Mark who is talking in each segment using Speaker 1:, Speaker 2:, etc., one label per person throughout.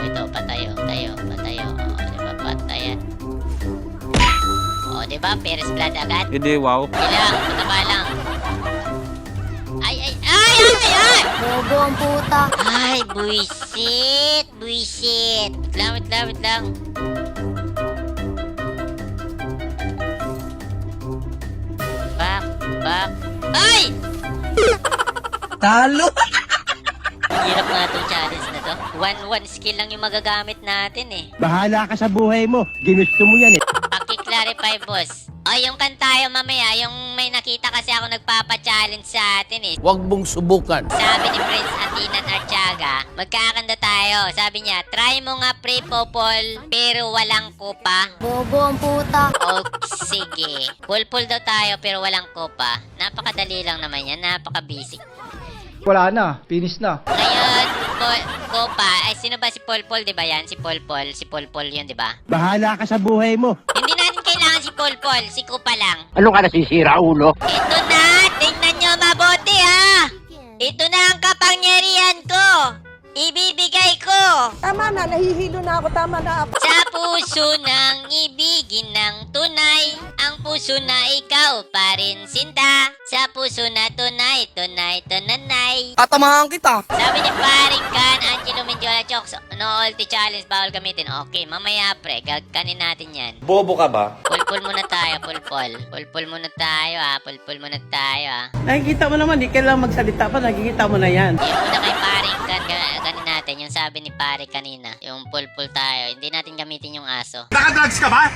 Speaker 1: ito, patayo, tayo, patayo. Diba, patayan. Diba, First Blood agad?
Speaker 2: Hindi, wow.
Speaker 1: Ilang, mataba lang. Ay!
Speaker 3: Bobo ang puta.
Speaker 1: Ay, buisit! Buisit! Wait lang. Back. Ay!
Speaker 4: Talo!
Speaker 1: Hirap nga itong challenge na to. One skill lang yung magagamit natin eh.
Speaker 4: Bahala ka sa buhay mo. Ginusto mo yan eh.
Speaker 1: Paki-clarify, boss. Yung kantayo mamaya, yung may nakita kasi ako nagpapa-challenge sa atin eh.
Speaker 5: Huwag mong subukan.
Speaker 1: Sabi ni Prince Atinan Artiaga, magkakanta tayo. Sabi niya, try mo nga pre-popol, pero walang kupa.
Speaker 3: Bobo ang puta.
Speaker 1: O sige. Pulpul daw tayo, pero walang kupa. Napakadali lang naman yan, napaka-basic.
Speaker 6: Wala na, finish na.
Speaker 1: Ngayon, Kopa, ay sino ba si Polpol, di ba yan? Si Polpol yun, di ba?
Speaker 4: Bahala ka sa buhay mo.
Speaker 1: Hindi natin kailangan si Polpol, si Kopa lang.
Speaker 4: Ano ka nasisira, ulo?
Speaker 1: Ito na, tingnan nyo mabuti ha! Ito na ang kapangyarihan ko! Ibibigay ko!
Speaker 7: Tama na, nahihilo na ako. Tama na.
Speaker 1: Sa puso ng ibigin ng tunay, ang puso na ikaw pa rin sinta. Sa puso na tunay, tunay.
Speaker 4: Tatamahan kita.
Speaker 1: Sabi ni Paring Kan, Angelo Mendiola Chokes, no ulti challenge, bawal gamitin. Okay, mamaya pre, gagkanin natin yan.
Speaker 2: Bobo ka ba?
Speaker 1: Pulpul muna tayo, pulpul. Pulpul muna tayo
Speaker 7: Nakikita mo naman, di kailangan magsalita pa. Nakikita mo na yan.
Speaker 1: Yung muna kay Paring Kan, ganin natin, yung sabi ni Pare kanina. Yung pulpul tayo, hindi natin gamitin yung aso.
Speaker 4: Nakadrugs ka ba?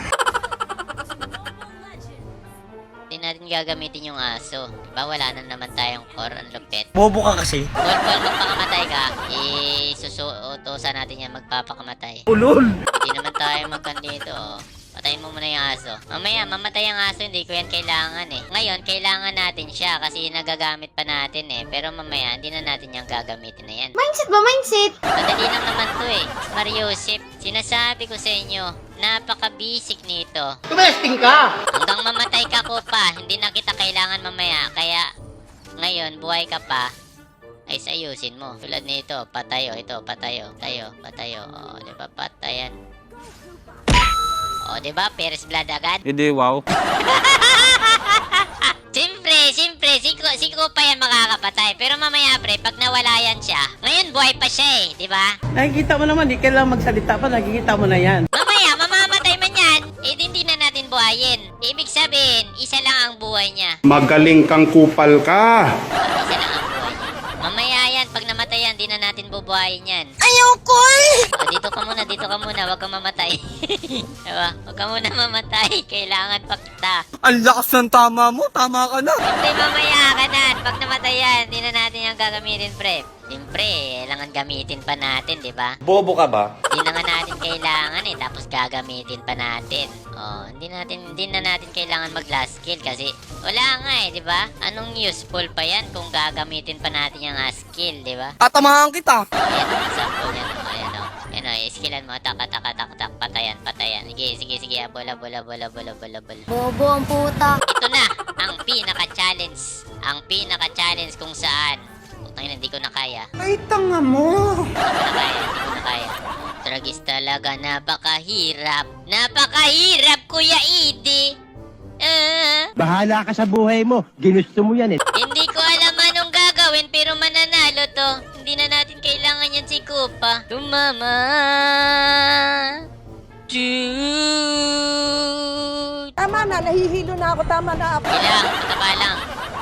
Speaker 1: Hindi natin gagamitin yung aso. Diba wala na naman tayong core, ang lupit.
Speaker 4: Bobo ka kasi.
Speaker 1: Pulpul, magpakamatay ka. Isusuutosan natin yan magpapakamatay.
Speaker 4: Ulol.
Speaker 1: Hindi naman tayo magkandito. Patayin mo muna yung aso. Mamaya, mamatay ang aso, hindi ko yan kailangan eh. Ngayon, kailangan natin siya kasi nagagamit pa natin eh. Pero mamaya, hindi na natin yung gagamitin na yan.
Speaker 3: Mindset ba? Mindset?
Speaker 1: Madali lang naman to eh. Mariusip, sinasabi ko sa inyo, napaka-basic nito.
Speaker 4: Tumesting ka.
Speaker 1: Hanggang mamatay ka ko pa, hindi na kita kailangan mamaya. Kaya, ngayon, buhay ka pa, ay sayusin mo. Tulad nito, patayo, ito, patayo. O, diba, patayan. O, diba, First Blood agad?
Speaker 2: Hindi, wow.
Speaker 1: Siyempre, si Kupa yan makakapatay. Pero mamaya, pre, pag nawala yan siya, ngayon buhay pa siya eh, di ba?
Speaker 7: Nakikita mo naman, di kailangan magsalita pa. Nakikita mo na yan.
Speaker 1: Mamaya, mamamatay man yan, eh hindi na natin buhayin. Ibig sabihin, isa lang ang buhay niya.
Speaker 8: Magaling kang kupal ka.
Speaker 1: Isa lang ang buhay niya. Mamaya yan, pag namatay yan, di na natin bubuhayin yan.
Speaker 3: Ayoko eh!
Speaker 1: O, dito ka muna, wag kang mamatay. Diba? Wag ka muna mamatay, kailangan pa kita.
Speaker 4: Ang lakas ng tama mo. Tama ka na.
Speaker 1: Hindi, mamaya ka na. Pag namatay yan, di na natin yung gagamitin, pre. Siyempre, kailangan gamitin pa natin, di ba?
Speaker 2: Bobo ka ba?
Speaker 1: Hindi na nga natin kailangan eh, tapos gagamitin pa natin. Hindi na natin kailangan mag last skill kasi wala nga eh, di ba? Anong useful pa yan kung gagamitin pa natin yung skill, di ba?
Speaker 4: Tatamahan kita.
Speaker 1: Ayan ang example yan, ayan o. Ayan o, skillan mo, tak, patayan. Sige, bola.
Speaker 3: Bobo ang puta.
Speaker 1: Ito na, ang pinaka-challenge. Ang pinaka-challenge kung saan. Putang, hindi ko na kaya.
Speaker 4: Ay, tanga mo.
Speaker 1: Hindi ko na kaya. Tragis talaga, napakahirap. Napakahirap, Kuya Idi.
Speaker 4: Bahala ka sa buhay mo. Ginusto mo yan eh.
Speaker 1: Hindi ko alam anong gagawin pero mananalo to. Hindi na natin kailangan yan si Kupa. Tumama. Dude.
Speaker 7: Tama na, nahihilo na ako. Tama na.
Speaker 1: Ilang, mataba lang.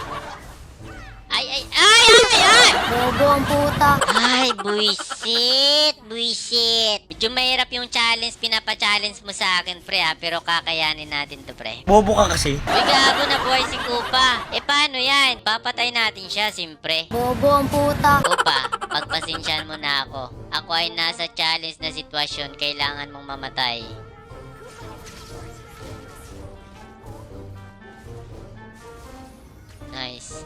Speaker 1: Ay!
Speaker 3: Bobo ang puta.
Speaker 1: Ay, buisit. Medyo mahirap yung challenge, pinapa-challenge mo sa akin, pre, ha? Pero kakayanin natin to, pre.
Speaker 4: Bobo ka kasi.
Speaker 1: Uy, gago na buhay si Kupa. Paano yan? Papatay natin siya, simpre.
Speaker 3: Bobo ang puta.
Speaker 1: Kupa, pagpasensyahan mo na ako. Ako ay nasa challenge na sitwasyon, kailangan mong mamatay. Nice.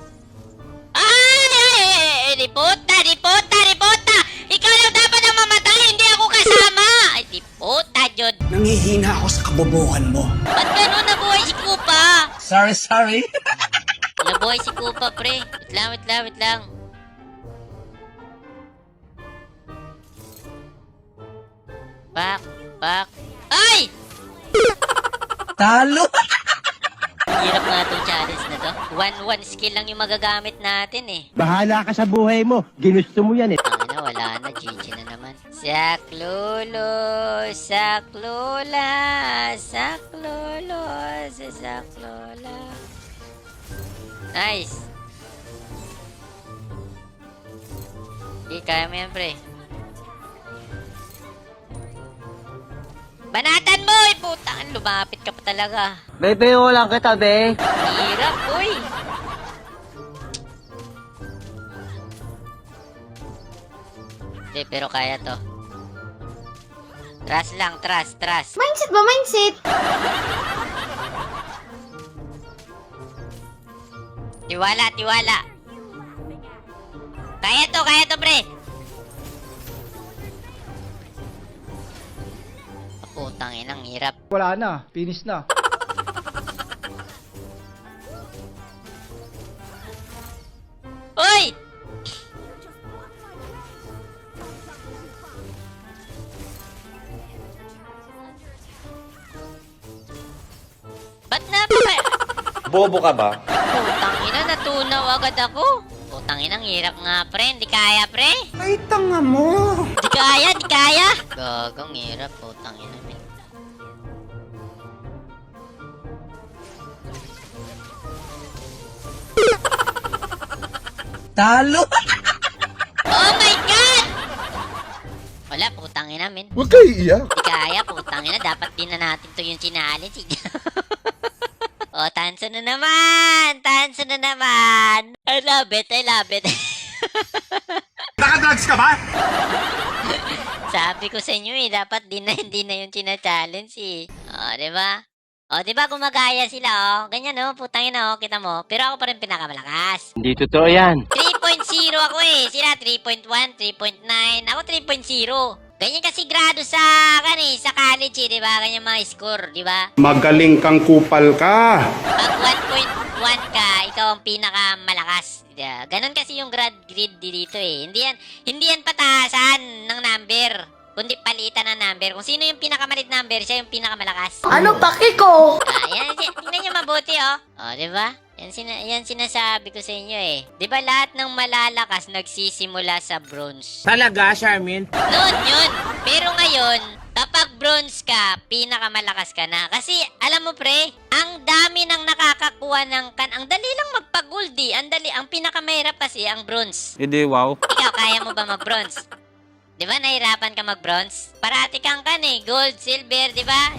Speaker 1: Ripota! Ikaw lang dapat ang mamatay, hindi ako kasama! Ay, ripota, Jod!
Speaker 4: Nangihina ako sa kabobohan mo.
Speaker 1: Ba't gano'n nabuhay si Kupa?
Speaker 4: Sorry.
Speaker 1: Nabuhay si Kupa, pre. Wait lang. Back. Ay!
Speaker 7: Talo!
Speaker 1: Hirap nga itong challenge na to. 1-1 skill lang yung magagamit natin eh.
Speaker 4: Bahala ka sa buhay mo. Ginusto mo yan eh.
Speaker 1: Tangina, wala na. GG na naman. Saklolo, saklola, saklolo, saklola. Nice. Hindi, kaya mo yan, pre. Banatan mo! Putang, lumapit ka pa talaga.
Speaker 2: Bebe, lang kita, be.
Speaker 1: Hirap, uy! Hindi, pero kaya to. Trust lang, trust.
Speaker 3: Mindset ba? Mindset?
Speaker 1: Tiwala. Kaya to, pre! Putang inang hirap.
Speaker 6: Wala na, finish na.
Speaker 1: Uy! Ba't na pa?
Speaker 2: Bobo ka ba?
Speaker 1: Putang ina, natunaw agad ako. Putang ina, ang hirap nga, pre. Hindi kaya, pre.
Speaker 8: Ay, tanga mo!
Speaker 1: Di kaya. Gagong hirap, putang ina, men.
Speaker 7: Talo!
Speaker 1: Oh my God! Wala, putang ina, men.
Speaker 8: Huwag kayo iiyak.
Speaker 1: Di kaya, putang ina. Dapat din na natin to yung challenge. Oh, tanso na naman! I love it.
Speaker 8: Nakadrugs ka ba?
Speaker 1: Sabi ko sa inyo eh, dapat hindi na yung challenge eh. Oh, di ba? Oh, di ba gumagaya sila oh. Ganyan oh, putang ina oh, kita mo. Pero ako pa rin pinakamalakas.
Speaker 2: Hindi totoo yan.
Speaker 1: 3.0 ako eh. Sila 3.1, 3.9. Ako 3.0. Ganyan kasi grado sa sa college eh, di ba? Ganyan mga score, di ba?
Speaker 8: Magaling kang kupal ka.
Speaker 1: Pag 1.1 ka, ikaw ang pinakamalakas. Yeah. Ganon kasi yung grid dito eh. Hindi yan pataasan ng number, kundi palitan ng number. Kung sino yung pinakamalit number, siya yung pinakamalakas.
Speaker 3: Ano paki ko?
Speaker 1: Tingnan nyo mabuti oh. Oh, di ba? Yan sinasabi ko sa inyo eh. Di ba lahat ng malalakas nagsisimula sa bronze?
Speaker 7: Talaga, Charmin?
Speaker 1: Noon yun. Pero ngayon, kapag bronze ka, pinakamalakas ka na. Kasi, alam mo pre, ang dami nang nakakakuha ng ang dali lang magpa-gold eh. Ang pinakamahirap kasi, ang bronze.
Speaker 2: Hindi, wow.
Speaker 1: Ikaw, kaya mo ba mag-bronze? Di ba, nahirapan ka mag-bronze? Parati kang gold, silver, di ba?